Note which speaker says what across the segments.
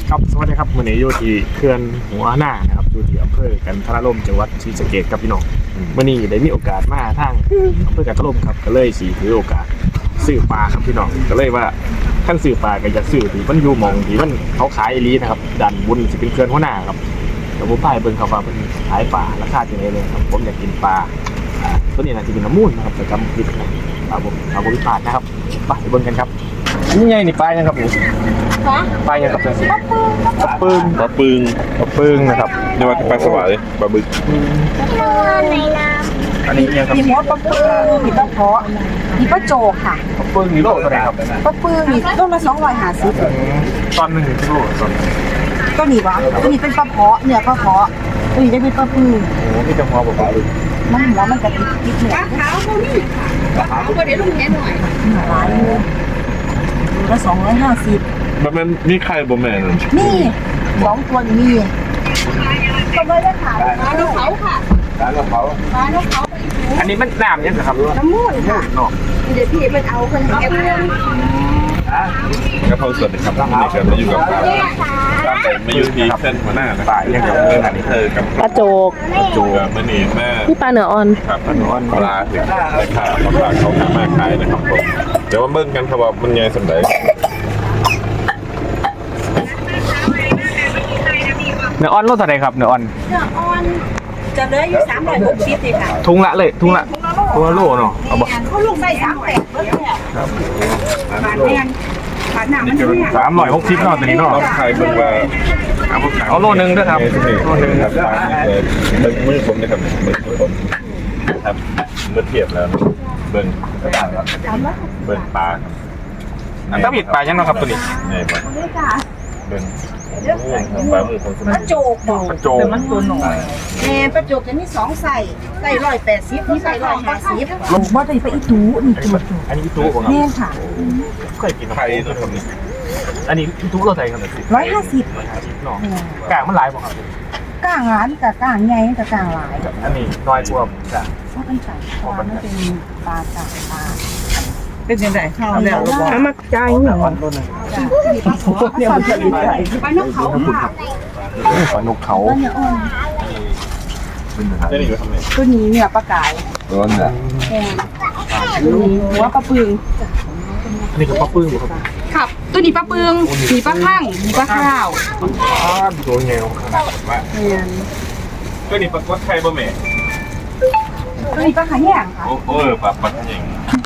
Speaker 1: ครับสวัสดีครับวันนี้อยู่ที่เขื่อนหัวหน้านะครับอยู่ที่อำเภอกันทรลมจังหวัดศรีสะเกษครับพี่น้องวันนี้ได้มีโอกาสมาทางอำเภอกันทรลมครับก็เลยสีถือโอกาสซื้อปลาครับพี่น้องก็เลยว่าท่านซื้อปลาก็จะซื้อที่มันอยู่หม่องที่มันเขาขายอีหลีนะครับดันบุญสิเป็นเขื่อนหัวหน้าครับแต่ผมไปเบิ่งเขาว่าเป็นขายปลาราคาจังไดเลยครับผมอยากกินปลาตัวนี้น่าจะเป็นน้ำมูลนะครับแต่จำผิดนะปลาพิพาทนะครับไปเบิ่งกันครับนี่ไงนี่ปลายังครับนี่ปลายังครับปลาปึ้งนะครับ
Speaker 2: เรียกว่าปลาสวายปลาบึก
Speaker 1: อันนี้ยังครับ
Speaker 3: มีมดปลาปื้งมีปลาเพาะมีปลาโจกค่ะ
Speaker 1: ปลาปึ้งนี่โลเท่าไหร่ครับ
Speaker 3: ปลาปื้งนี่ต้นละ250
Speaker 1: ตอนหนึ่งโลตอน
Speaker 3: ก็นี่วะตัวนี้เป็นปลาเพาะเนื้อปลาเพาะตัวนี้จะเป็นปลาปื้ง
Speaker 1: โอ้พี่จะพอบอกว่า
Speaker 3: มันหัวมันจะติดเนื้อ
Speaker 4: ขาวพวกนี้ค่ะขาวก็เดี๋ยวลุงแค่หน่อย
Speaker 3: หลายเลยตัวละ250
Speaker 2: มันมีใครบ่แม่น
Speaker 3: นี่2ตัวนี่มีก็ไม่ได้ขาย
Speaker 4: ปลานกเขาค่ะ
Speaker 2: ร้านเขา
Speaker 4: ปลานกเขาไปอีกหู
Speaker 1: อันนี้มันน้ำยังครับ
Speaker 4: น้ำมูดค่ะ
Speaker 1: เนาะ
Speaker 4: เดี๋ยวพี่มันเอาคนแก่มา
Speaker 2: กระเพราสดครับนี่ก็มาอยู่กับปลามาอยู่ที่เส้นหัวหน้านะ
Speaker 1: ปลายังกับเรื่องอันนี้
Speaker 2: กับ
Speaker 5: ปลาโจก
Speaker 2: จูกับมะนีแม่
Speaker 5: พี่ปลาเนื้ออ่อน
Speaker 2: ครับปลาหนอนปลาถึงราคาปลาเขาขายมาขายนะครับผมเดี๋ยวมาเบิ่งกันครับว่ามันใหญ่สันใด
Speaker 1: เนื้ออ่อนโลเท่าไหร่ครับเนื้ออ่อน
Speaker 4: เนื้ออ่อนจะเหลืออยู่360เลยค่ะ
Speaker 1: ทุงละเลยทุงละโลเนาะเอาบ่
Speaker 4: เขาลูกใส่38เบิดเนี่ย
Speaker 1: ครับ
Speaker 4: บาทแมนบาทหนามันเนี่ย
Speaker 1: 360เนาะตัวนี้เนาะ
Speaker 2: เราขายเบิ่งว่า
Speaker 1: เอาโลนึงด้วยครับ
Speaker 2: โลนึงครับเบิ่งมือผมนะครับมือผมครับเมื่อเทียบแล้วเบิ่งกระดาษครับเบิ่งปลาครับ
Speaker 1: อันถ้าผิดปลายังเนาะครับตัวนี้
Speaker 2: ใหญ่กว่าเบิ่งปลาหมูของส
Speaker 4: ป
Speaker 2: มั
Speaker 4: ลาย โจกบอก
Speaker 1: ปลาโจก
Speaker 3: มันตัวหน่อย
Speaker 4: แม่ปลาโจกจะมี2ใส่180นี่ใส่150
Speaker 3: ลงบ่ได้ไปอีตูนี่ตัว
Speaker 1: อันนี้อีตู้บ่ครับ
Speaker 3: แม่นค่ะ
Speaker 1: เคยกิน
Speaker 2: ไข่นะครับนี่
Speaker 1: อันนี้อีตู้โลเท่าไหร่ครับเนี่ย
Speaker 3: 150
Speaker 1: เนาะกลางมันหลายบ่ครับ
Speaker 3: ก้างร้านกับก้างใหญ่กับก้างหลาย
Speaker 1: อันนี้น้อยกว่าจ้ะ
Speaker 3: เพราะมันใส่ปลามันเป็นปลาจากปลา
Speaker 4: เป็นยังไงข้าวแล้ว
Speaker 3: เอามาจ่ายเงิน
Speaker 1: อ่อนโลนึง
Speaker 3: เนี่ยมันจะดีใจ
Speaker 4: ปลานกเขาค่ะ
Speaker 1: ปลานกเขา
Speaker 3: ตัวเนี้ยอ่อน
Speaker 2: นี่ก็ทำไง
Speaker 3: ตัวนี้เนี่ยปลากาย
Speaker 2: ร้อนอ่ะ
Speaker 3: แพงตัวนี้หัวปลาปึง
Speaker 1: อันนี้ก็ปลาปึ้งบ่ครับ
Speaker 4: ครับตัวนี้ปลาเปลืองมีปลาข้างมีปลาข้าว
Speaker 1: ตัวเงี้ยวขนาดว่า
Speaker 3: แพง
Speaker 2: ก็นี่ปลากดไข่บ่แม่
Speaker 3: ตัวนี้ปลาขาแยงค่ะ
Speaker 2: โอ้ปลาปัดอย่าง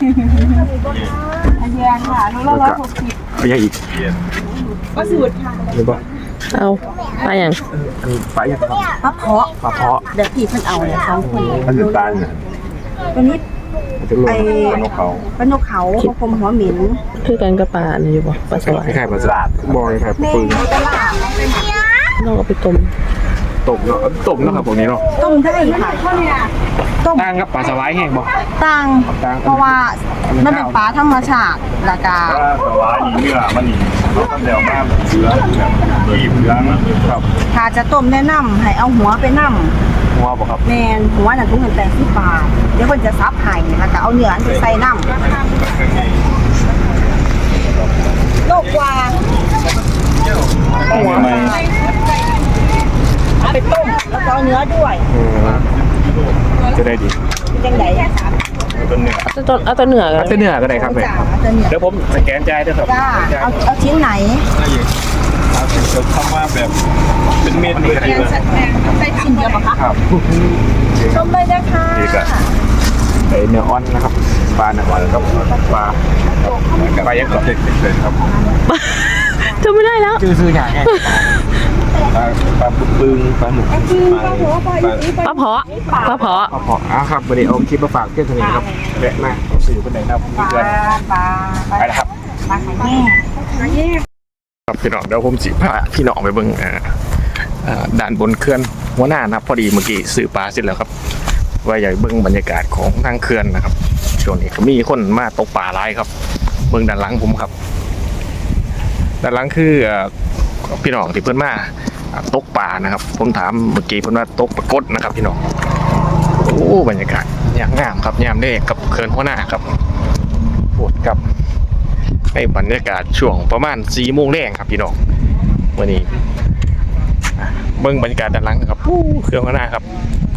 Speaker 3: ขาแยงค่ะโลละ160
Speaker 1: เอาอย่างอีก
Speaker 2: เย็น
Speaker 4: ปลาสูตรค่ะ
Speaker 1: หรือว่า
Speaker 5: เอาปลาอย่าง
Speaker 1: อันนี้ปลาอย่างครับ
Speaker 3: ปลาเพาะ
Speaker 1: ปลาเพาะ
Speaker 3: เดี๋ยวพี่เพิ่นเอาเนี่ย2คน
Speaker 2: อันนี้ตาลน่ะ
Speaker 3: ตัวนี้
Speaker 1: จะโล
Speaker 3: ไอ้
Speaker 2: ปลานกเขา
Speaker 3: ปลานกเขาปลาคมหัวหมิ่น
Speaker 5: คือกันกับปลาเนี่ยอยู่บ่ปลาสวาย
Speaker 1: คล้ายๆปลาสลัดบอยคล้ายปลา
Speaker 3: แม่
Speaker 1: ปึ้ง
Speaker 3: ตลาด
Speaker 5: น้องเอาไปต้ม
Speaker 1: ตบเนาะตบเนาะครับพวกนี้เนาะ
Speaker 3: ต้มได้ค่ะต้ม
Speaker 1: ตั้งกับปลาสวายแห้งบ่
Speaker 3: ตัง
Speaker 1: ตัง
Speaker 3: เพราะว่ามันเป็นปลาธรรมชาติแล้วก็
Speaker 2: ปลาหวานเนื้อมันนี่เราทำแล้วมาแบบเชื้อแบบรีบเชื้อมันครับ
Speaker 3: ถ้าจะต้มแนะนำให้เอาหัวไปนำ
Speaker 1: หัวบ่ครับ
Speaker 3: แม่นหัวน่ะถุงเงิน80 บาทเดี๋ยวเพิ่นจะซับให้แล้วก็เอาเนื้ออันไปใส่น้ำโลกกว่า
Speaker 2: หัวไม่
Speaker 3: เอาไปต้มแล้วก็เอาเนื้อด้วย
Speaker 1: จะได้ดี
Speaker 3: จังได๋
Speaker 2: ต้นเนื้อ
Speaker 5: เอาตัวเหนือกัน
Speaker 1: เส้นเนื้อก็ได้ครับแม่
Speaker 3: จ้าเอาแต่เนื้อ
Speaker 1: เดี๋ยวผมสแกนจ่ายด้วยครับ
Speaker 3: จ้าเอาชิ้นไหน
Speaker 2: เอาถึงจะเข้ามาแบบเป็นเม็ดเลย
Speaker 4: แกงสัตว์แกงใส่ชิ้นเดียวปะคะ
Speaker 1: ครับ
Speaker 3: ชมเลยนะคะ
Speaker 1: ไอเนื้ออ่อนนะครับปลาเนื้ออ่อนครับปลาปลายังกับ
Speaker 2: เด็กเลยครับ
Speaker 5: จำไม่ได้แล้ว
Speaker 1: ซื้ออย่างไง
Speaker 2: ปลาปึ้งปลาหมึกปลา
Speaker 5: ปลาเพาะปลาเพาะ
Speaker 1: พอครับวันนี้เอาคลิปมาฝากเพื่อนสนิทครับแวะมาสื่อคนไหนนะครับ
Speaker 3: ปลา
Speaker 1: เพื่อน
Speaker 3: ปลา
Speaker 1: ไปนะครับ
Speaker 3: ปลาขาแย่
Speaker 1: ครับพี่น้องเดี๋ยวผมสิพาพี่น้องไปเบิ่งด้านบนเขื่อนหัวหน้านะครับพอดีเมื่อกี้สื่อปลาเสร็จแล้วครับว่าอยากเบิ่งบรรยากาศของทางเขื่อนนะครับช่วงนี้ก็มีคนมาตกปลาหลายครับเบิ่งด้านหลังผมครับด้านหลังคือพี่น้องที่เพิ่นมาตกปลานะครับผมถามเมื่อกี้เพิ่นว่าตกปลากดนะครับพี่น้องโอ้บรรยากาศอย่างงามครับยามเด้กับเขื่อนหัวหน้าครับปวดกับในบรรยากาศช่วงประมาณ4 โมงแรงครับพี่น้องวันนี้เบิ้งบรรยากาศด้านหลังนะครับเครื่องข้างหน้าครับ